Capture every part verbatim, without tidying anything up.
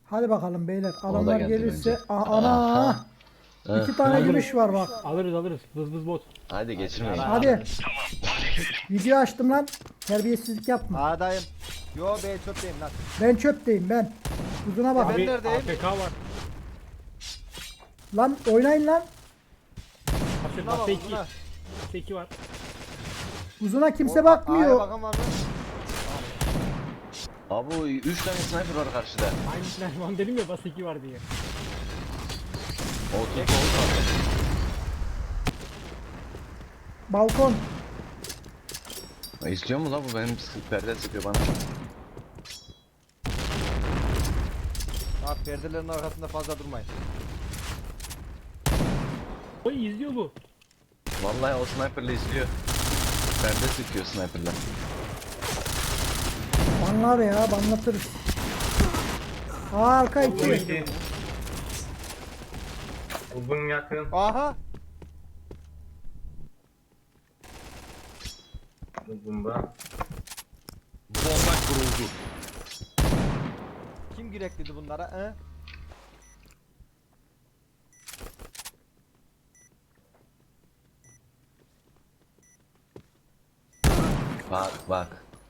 Hadi bakalım beyler. Adamlar geldi gelirse. bence. Aa, ana. İki tane gümüş var bak. Alırız alırız. Vız vız bot. Hadi geçirmeyin. Hadi. Video açtım lan. Terbiyesizlik yapma. A'dayım. Yo B çöpteyim lan. Ben çöpteyim ben. Uzuna bak. Ben Abi neredeyim? A F K var. Lan oynayın lan. Bas Buna bak, iki. buna. Bas iki var. Uzuna kimse A'ya bakmıyor. bakan var mı? Abi üç tane sniper var karşıda. Aynısından ben dedim ya bas iki var diye. O tut oldu. Balkon. İstiyor mu la bu benim sık- perde sıkıyor bana. Abi perdelerin arkasında fazla durmayın. Oy izliyor bu. Vallahi o sniperle izliyor. Perde sıkıyor sniperle. Banla be ya banlatırız. Aa, arka iki. Uzun yakın. Aha. Uzunda. Bomba kuruldu. Kim yürekliydi bunlara? He? Bak bak.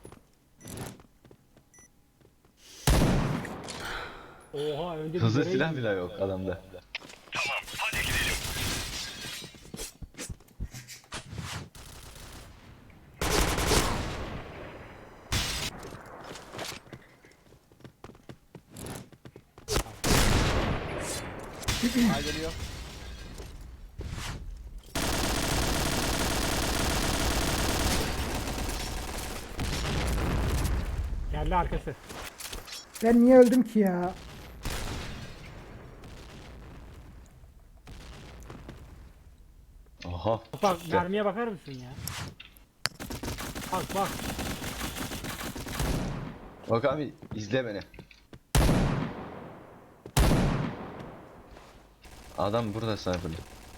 Oha önce bir Hızlı görev silah gidiyor. bile yok adamda. A geliyor. Geldi arkası. Ben niye öldüm ki ya? Oha. Bak mermiye bakar mısın ya? Bak bak. Bak abi izle beni. Adam burada sniperle.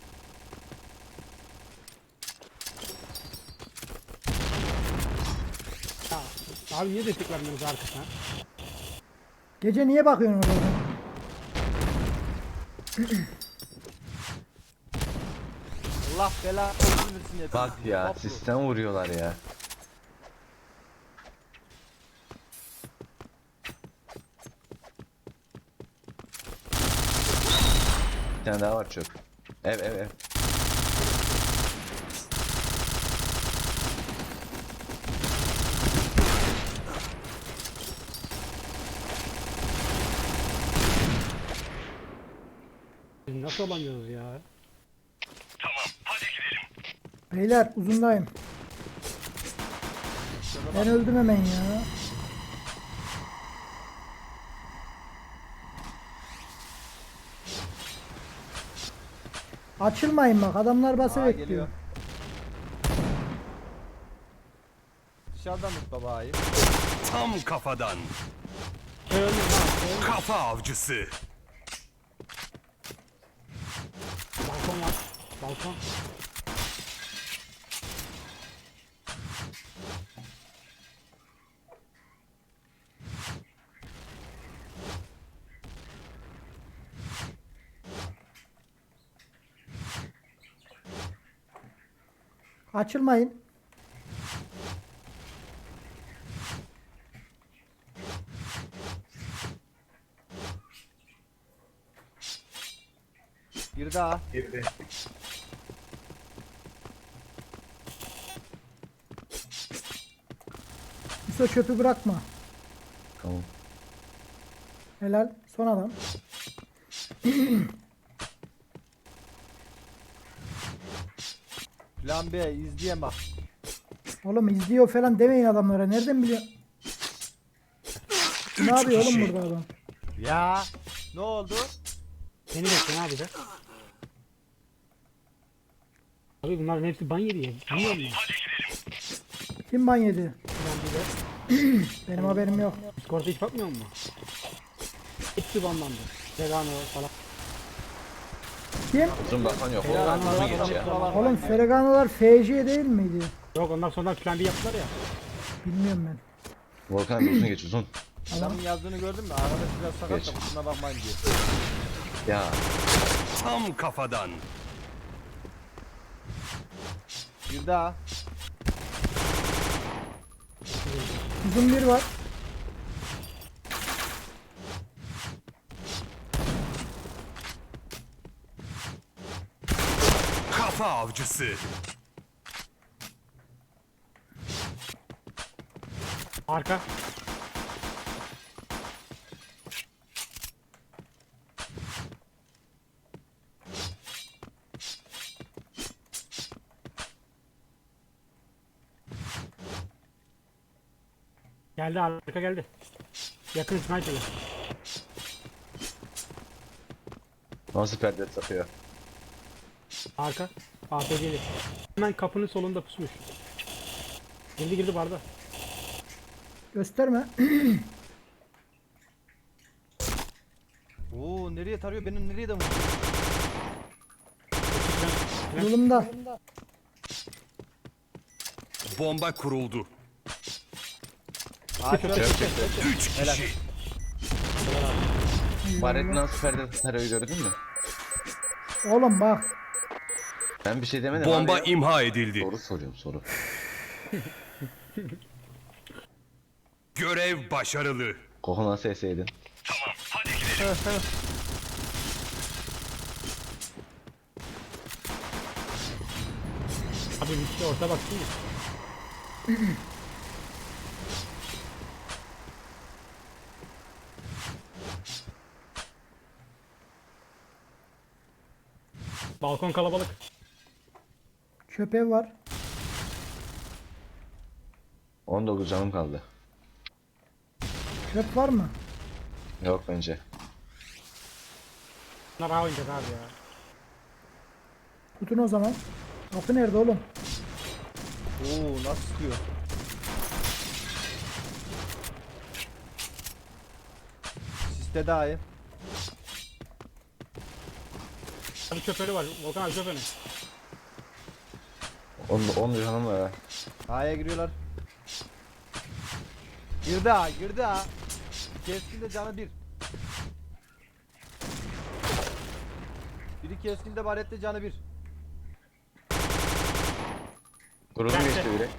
Ya, abi niye destek vermiyorsunuz arkasına? Gece niye bakıyorsun orada? Allah bela olsun versin ya. Bak ya Toplu. sistem vuruyorlar ya. Bir tane daha var çöp. Ev ev ev. Biz nasıl olamıyoruz ya? Beyler uzundayım. Ben öldüm hemen ya. Açılmayın bak adamlar bası A bekliyor. geliyor. Dışarıdan tut baba A'yı. Tam kafadan. Öldüm ha. Kafa avcısı. Balkon var. Balkon. Açılmayın. Bir daha. Girdi. Yusuf çöpü bırakma. Tamam. Helal. Son adam. Plan B izleyen bak. Oğlum izliyor falan demeyin adamlara. Nereden biliyor? Ne yapıyor oğlum burada adam? Ya. Ne oldu? Seni bekle ne yapacak? Abi bunların hepsi ban yedi ya. Bilmiyor musun? Kim ban yedi? Ben bir de Benim haberim yok. Discord'a hiç bakmıyor musun? Hepsi banlandı. Vegano falan. Kim? Uzun bakan yok. Helal Oğlum olsun. uzun geç ya. Oğlum Fereganolar F C değil miydi? Yok ondan sonra plan bir yaptılar ya. Bilmiyorum ben. Volkan uzun geç uzun. Adamın yazdığını gördün mü? Arkadaş biraz sakat Geç. da kusura bakmayın diyor. Ya Tam kafadan. Bir daha. Uzun bir var. Kafa avcısı. Arka. Geldi arka geldi. Yakın sniper'ı. nasıl perde takıyor? Arka. A P C'li. Hemen kapının solunda pusmuş. Girdi girdi barda. Gösterme. Oo nereye tarıyor? Benim nereye de vuruyor? Yolumda. Bomba kuruldu. Ağaç var. Üç kişi. Baret nasıl perde tarıyor gördün mü? Oğlum bak. Ben bir şey demedim Bomba abi ya. imha edildi. Soru soruyorum soru. Görev başarılı. Koku nasıl eseydin? Abi bir şey orta baksın ya. Balkon kalabalık. Köpeği var. on dokuz canım kaldı. Çöp var mı? Yok bence. Bunlar A oynayacak abi ya. Tutun o zaman. Kapı nerede oğlum? Oo nasıl sıkıyor? Siste daha iyi. Abi çöperi var. Volkan abi çöperi. on on canım var ha. A'ya giriyorlar. Girdi A, girdi A. Keskin de canı bir. Biri keskin de barette canı bir. Kurulu Bence. geçti biri.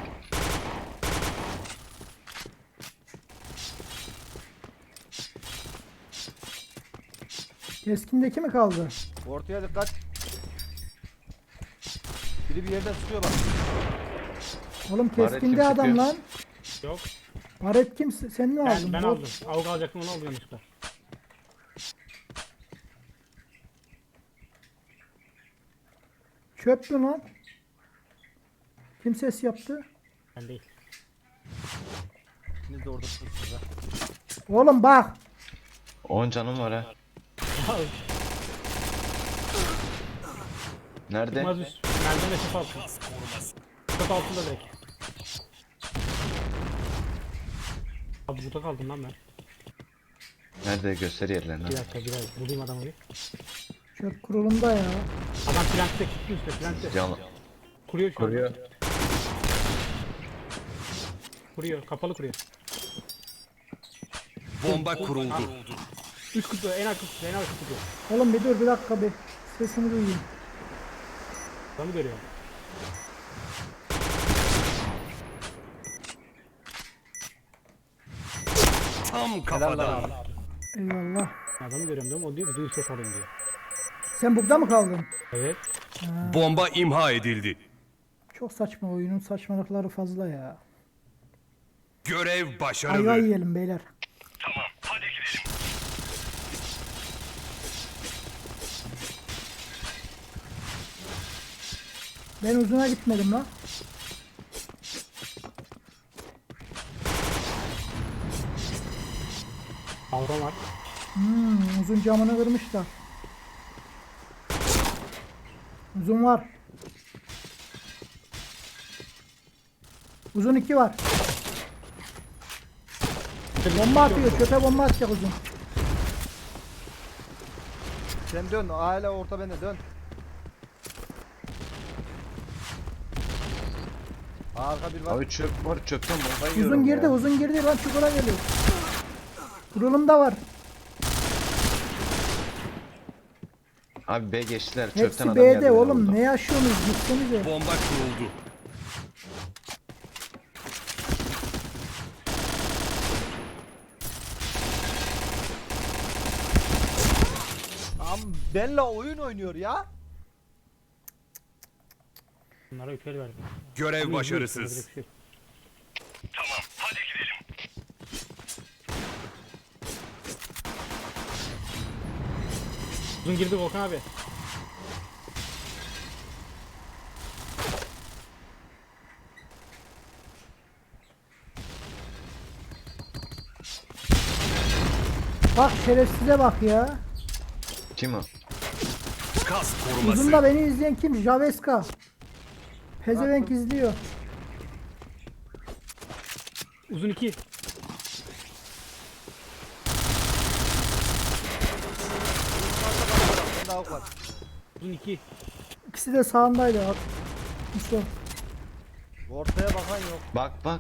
Keskindeki mi kaldı? Ortaya dikkat. Biri bir yerden sıkıyor bak. Oğlum Baret keskinde kim adam sıkıyor? lan. Yok. Baret kim? Sen mi aldın? Ben, ben Bot. aldım. Avuk alacaktım onu aldım yanlışlıkla. Çöp mü lan? Kim ses yaptı? Ben değil. İkiniz de orada sıkıyorsunuz ha. Oğlum bak. on canım var ha. Nerede? Çıkmaz üst. Merdiven de çöp altı. Çöp altında direkt. Abi burada kaldım lan ben. Nerede göster yerlerini. Bir dakika bir dakika. Bulayım adamı bir. Çöp kurulumda ya. Adam plantte gitti üstte plantte. Canlı. Kuruyor şu an. Kuruyor. Kuruyor. Kapalı kuruyor. Bomba kuruldu. Üst kutu en arka kutu en arka kutu. Oğlum bir dur bir dakika bir. Sesini duyayım. Adamı görüyor. Tam Helal lan kafadan. abi. Eyvallah. Adamı görüyorum diyorum. O diyor ki duy ses alayım diyor. Sen burada mı kaldın? Evet. Bomba imha edildi. Çok saçma, oyunun saçmalıkları fazla ya. Görev Ayva başarılı. yiyelim beyler. Ben uzuna gitmedim lan. Avron var. Hmm, uzun camını kırmışlar. Uzun var. Uzun iki var. Bomba atıyor. Çöpe bomba atacak uzun. Sen dön. Hala orta bende dön. Arka bir var. Abi çöp var çöpten bomba yiyorum Uzun girdi, ya. uzun girdi lan çukura geliyor. Kurulum da var. Abi B geçtiler. Çöpten Hepsi adam B'de geldi, oğlum. vurdu. Ne yaşıyorsunuz? Gitsenize. Bomba kuruldu. Am benle oyun oynuyor ya. Bunlara yukarı verdim. Görev Ama başarısız. izliyoruz, yapacak bir şey yok. Uzun girdi Volkan abi. Bak şerefsize bak ya. Kim o? Kas koruması. Uzunda beni izleyen kim? Javeska. Pezevenk izliyor. Uzun iki. Ben daha var. Uzun iki. İkisi de sağındaydı. At. Mustafa. Ortaya bakan yok. Bak bak.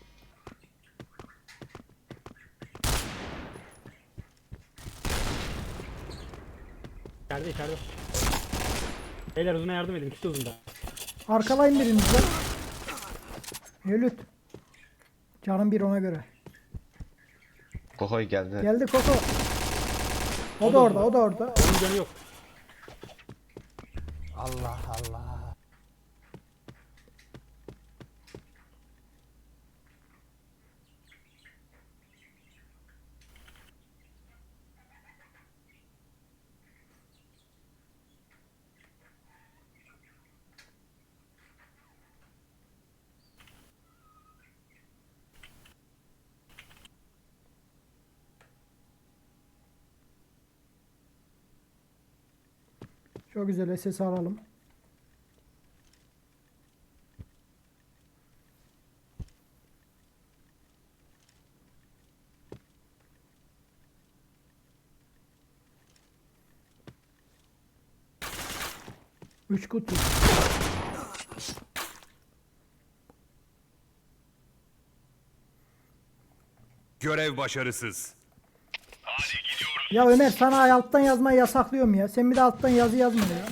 İçeride içeride. Beyler uzuna yardım edin. İkisi de uzunda. Arkalayın biriniz lan. Ölüt. Canım bir ona göre. Kokoy geldi. Geldi Koko. O da orada, o da orada. Onun canı yok. Allah Allah. Çok güzel S S alalım. Üç kutu. Görev başarısız. Ya Ömer sana alttan yazmayı yasaklıyorum ya. Sen bir de alttan yazı yazma ya.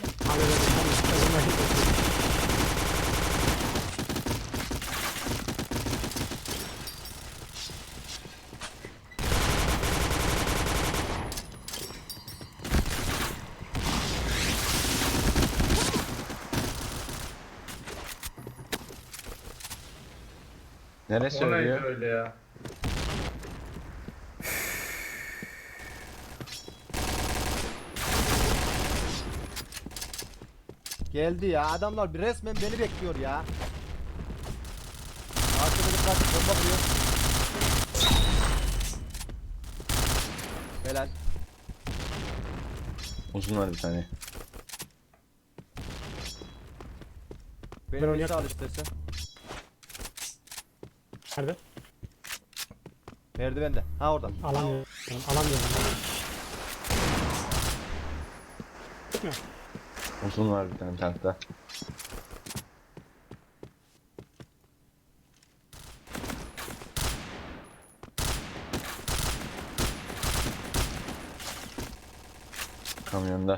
Nereye O neydi söylüyor? öyle ya? Geldi ya. Adamlar bir resmen beni bekliyor ya. Arkada dikkat et, bomba vuruyor. Helal. Uzun var bir tane. Benim oynayak- birisi al istersen. Nerede? Merdivende. Ha orada. Alamıyorum. Alamıyorum. Çıkmıyor. Uzun var bir tane tankta. Kamyonda.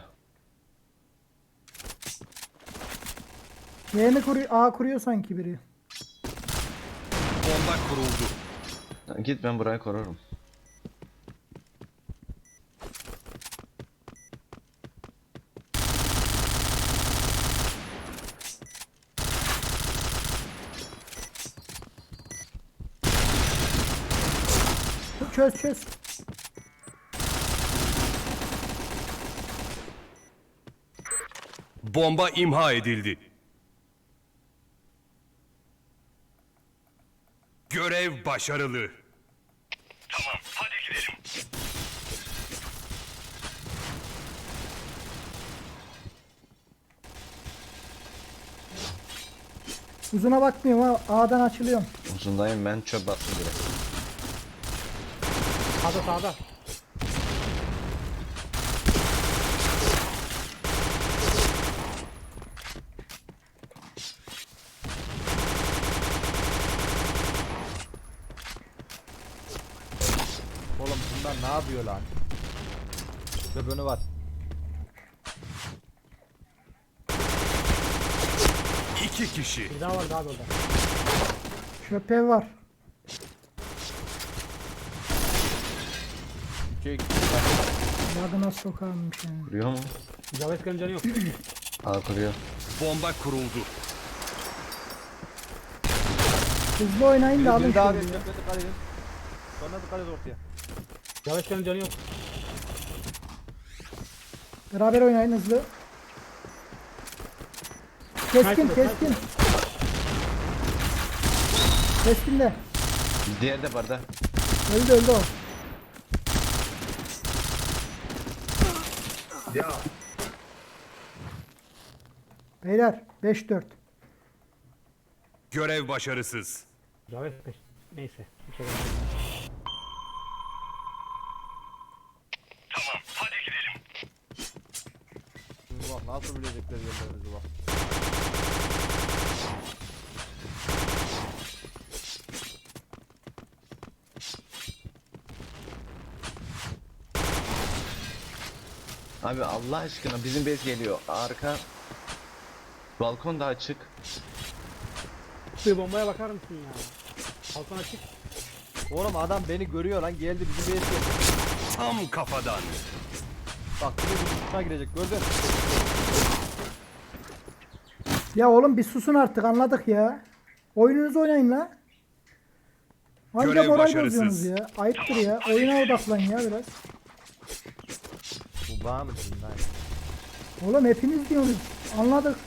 Y mi kuruyor? A kuruyor sanki biri. Bomba kuruldu. Lan git, ben burayı korurum. Çöz çöz. Bomba imha edildi. Görev başarılı. Uzuna bakmıyorum ha. A'dan açılıyorum. Uzundayım ben, çöp bastım direkt. Sağda sağda. Oğlum bunlar Lan ne yapıyor lan? Köpönü var. İki kişi. Bir daha var daha da orada. Şöpe var. Çek. Yadına sokarmış yani. Kuruyor mu? Javesker'in canı yok. Aa kuruyor. Bomba kuruldu. Hızlı oynayın da alın Bir daha bir şöyle ya. köpüne dikkat edin. Sonra dikkat et ortaya. Javesker'in canı yok. Beraber oynayın hızlı. Keskin keskin. Keskin de. Diğer de barda. Öldü öldü o. Ya Beyler beş dört. Görev başarısız. Javesker. Neyse. Bir şey demeyeyim. Şimdi bak nasıl bilecekler yerlerinizi bak. Abi Allah aşkına bizim bez geliyor. Arka. Balkon da açık. Bir bombaya bakar mısın ya? Balkon açık. Oğlum adam beni görüyor lan, geldi bizim bir geldi. Tam kafadan. Bak bir de uçuna girecek, gördün. Ya oğlum bir susun artık anladık ya. Oyununuzu oynayın la. Anca Görev moral başarısız. bozuyorsunuz ya. Ayıptır ya. Oyuna odaklan ya biraz. Bu bağ mısın lan? Oğlum hepiniz diyorsunuz. Anladık.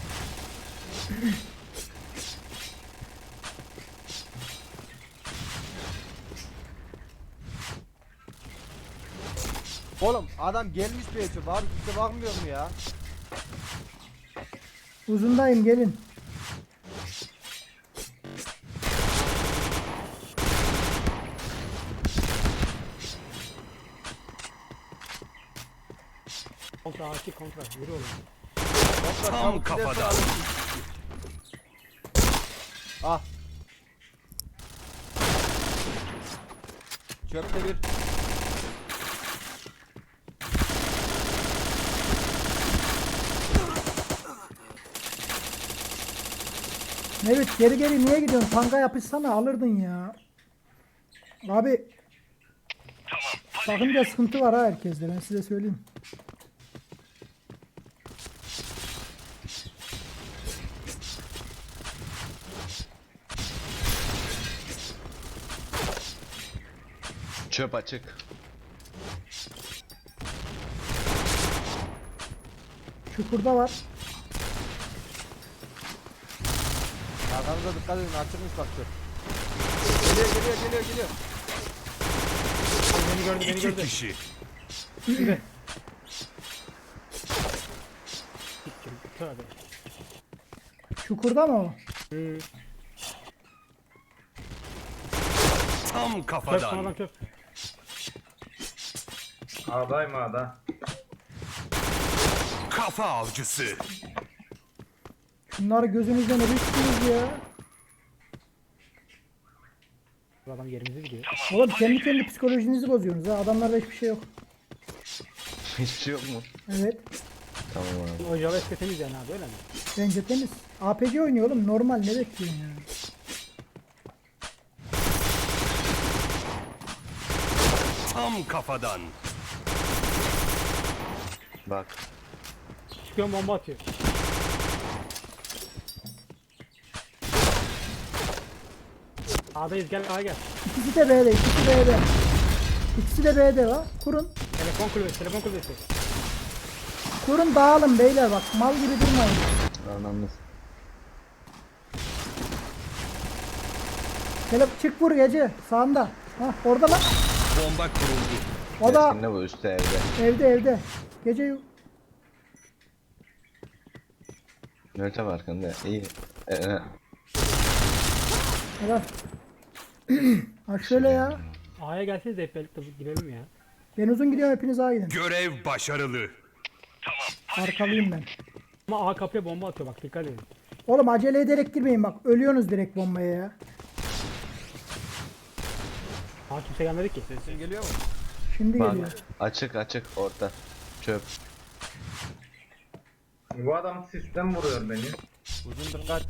Oğlum adam gelmiş bir eçip abi, kimse bakmıyor mu ya? Uzundayım gelin. Kontra açık kontra. Yürü oğlum. Kontra, Tam çabuk gidersen kafadan. alırsın. Ah. Çöpte bir. Evet geri geri niye gidiyorsun? Tanka yapışsana alırdın ya. Abi. Bakınca sıkıntı var ha herkeste ben size söyleyeyim. Çöp açık. Çukurda var. Arkanıza dikkat edin, açılmış bak çöp. Geliyor geliyor geliyor geliyor. Beni gördü beni İki gördü. kişi. Tövbe. Çukurda mı o? Hmm. Tam Çöp kafadan. sonradan çöp. A'dayım A'da. Kafa avcısı. Bunları gözünüzden ölürsünüz ya. Bu adam yerimize gidiyor. Oğlum kendi kendi psikolojinizi bozuyorsunuz ha. Adamlarda hiçbir şey yok. Hiçbir şey yok mu? Evet. Tamam abi. O Javesker temiz yani abi öyle mi? Bence temiz. A P C oynuyor oğlum. Normal ne bekliyorsun ya? Tam kafadan. Bak. Çıkıyorum bomba atıyor. A'dayız gel A'ya gel. İkisi de B'de. İkisi B'de. İkisi de B'de var. Kurun. Telefon kulübesi telefon kulübesi. Kurun dağılın beyler bak. Mal gibi durmayın. Anlamlı. Gel çık vur gece. Sağında. Hah orada lan. Bomba kuruldu. O da Keskin de bu üstte evde. evde evde. Gece yu- Nöte var arkanda. İyi. Ee, e. Helal. Ha şöyle ya. A'ya gelseniz de hep birlikte girelim ya. Ben uzun gidiyorum hepiniz ağa gidin. Görev başarılı. Arkalıyım ben. Ama A kapıya bomba atıyor bak dikkat edin. Oğlum acele ederek girmeyin bak. Ölüyorsunuz direkt bombaya ya. A kimse gelmedi ki. Sesin geliyor mu? Şimdi Bak geliyor. açık açık orta. Çöp. Bu adam sistem vuruyor beni. Uzun dikkat.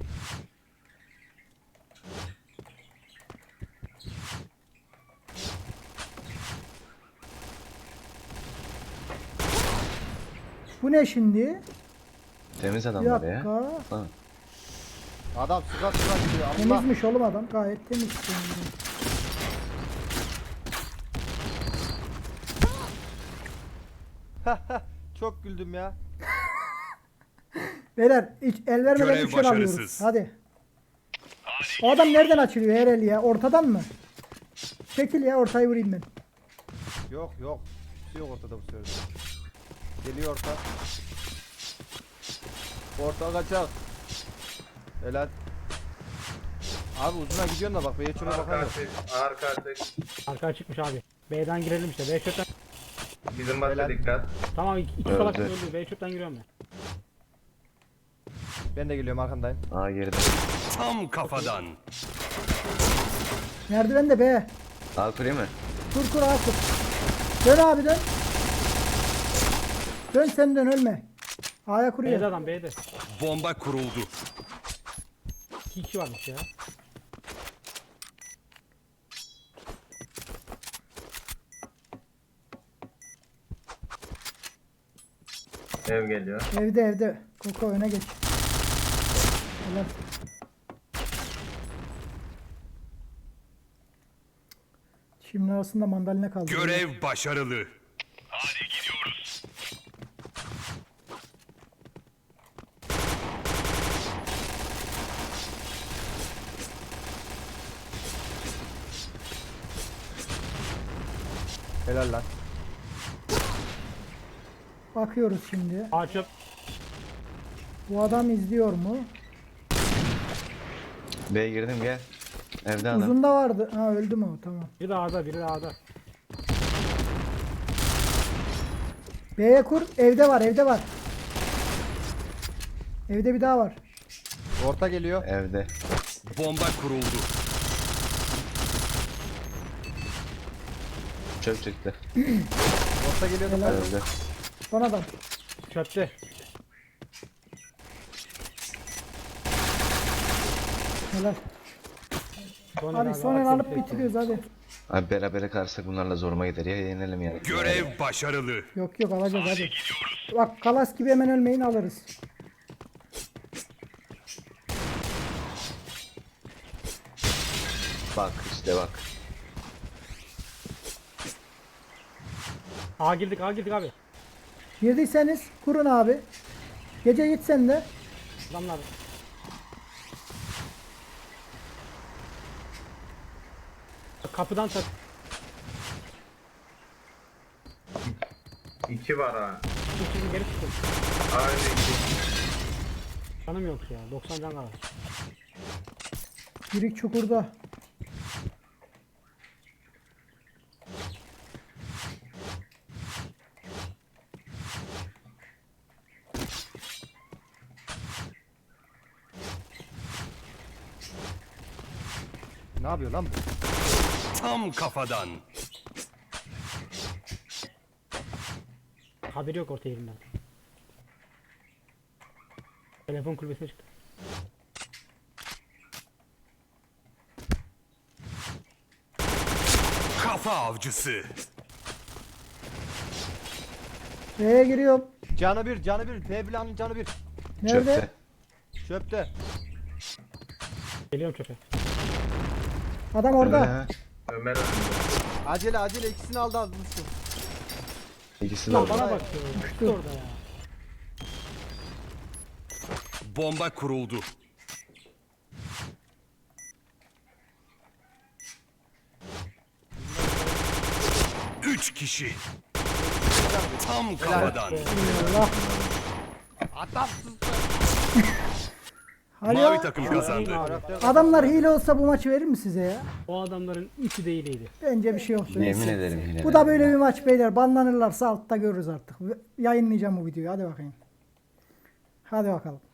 Bu ne şimdi? Temiz Bir adamlar ya. dakika. Ha. Adam sıra sıra gidiyor. Allah. Temizmiş oğlum adam. Gayet temiz. Çok güldüm ya. Beyler hiç el vermeden Görev üçer alıyoruz. başarısız. Hadi. O adam nereden açılıyor her el ya? Ortadan mı? Çekil ya ortayı vurayım ben. Yok yok. Bir şey yok ortada bu sefer. Geliyor orta. Orta kaçak. Helal. Abi uzuna gidiyorsun da bak. B'ye şuna Arka bakalım. açık. Arka açık. Arka çıkmış abi. B'den girelim işte. B şuttan. Bizim başa Helal. dikkat. Tamam iki, iki Öldü. salak öldü. B şuttan giriyorum ben. Ben de geliyorum arkandayım. Aa geride. Tam kafadan. Merdiven de be. Aa kurayım mı? Kur kur ağa kur. Dön abi dön. Dön sen dön ölme. A'ya B'de kuruyor. adam B'de. Bomba kuruldu. İki kişi varmış ya. Ev geliyor. Evde evde. Koko öne geç. Helal. Şimdi arasında mandalina kaldı. Görev başarılı. Helal lan. Bakıyoruz şimdi. A çöp. Bu adam izliyor mu? B'ye girdim gel. Evde adam. Uzunda vardı. Ha öldü mü o? Tamam. Biri de A'da biri de A'da. B'ye kur. Evde var evde var. Evde bir daha var. Orta geliyor. Evde. Bomba kuruldu. Çöp çıktı. Orta geliyor. Helal. Evde. Son adam. Çöpte. Helal. Son Hadi el son el Aksi alıp bir tek bitiriyoruz hadi. Abi berabere kalırsak bunlarla zoruma gider ya yenelim yani. Görev başarılı. Yok yok alacağız hadi. Bak kalas gibi hemen ölmeyin alırız. Bak işte bak. A girdik A girdik abi. Girdiyseniz kurun abi. Gece git sen de. Adamlar. Kapıdan tak. İki var ha. Şimdi geri çıktım. Aynı iki. Canım yok ya. doksan can kalır. Girik çukurda. Ne yapıyor lan bu? Tam kafadan. Haberi yok orta yerinden. Telefon kulübesine çıktı. Kafa avcısı. B'ye giriyorum. Canı bir, canı bir. P planın canı bir. Nerede? Çöpte. Çöpte. Geliyorum çöpe. Adam orada. Öyle, Ömer önünde. Acele acele ikisini aldı almışsın. İkisi de Lan orada. bana bak ya. Düştü orada ya. Bomba kuruldu. Üç kişi. Tam kafadan. Allah. Adamsız. Hadi Mavi ya. takım kazandı. Adamlar hile olsa bu maçı verir mi size ya? O adamların üçü de iyiydi. Bence bir şey yok. Yemin ederim yine. Bu da böyle bir maç beyler. Banlanırlarsa altta görürüz artık. Yayınlayacağım bu videoyu. Hadi bakayım. Hadi bakalım.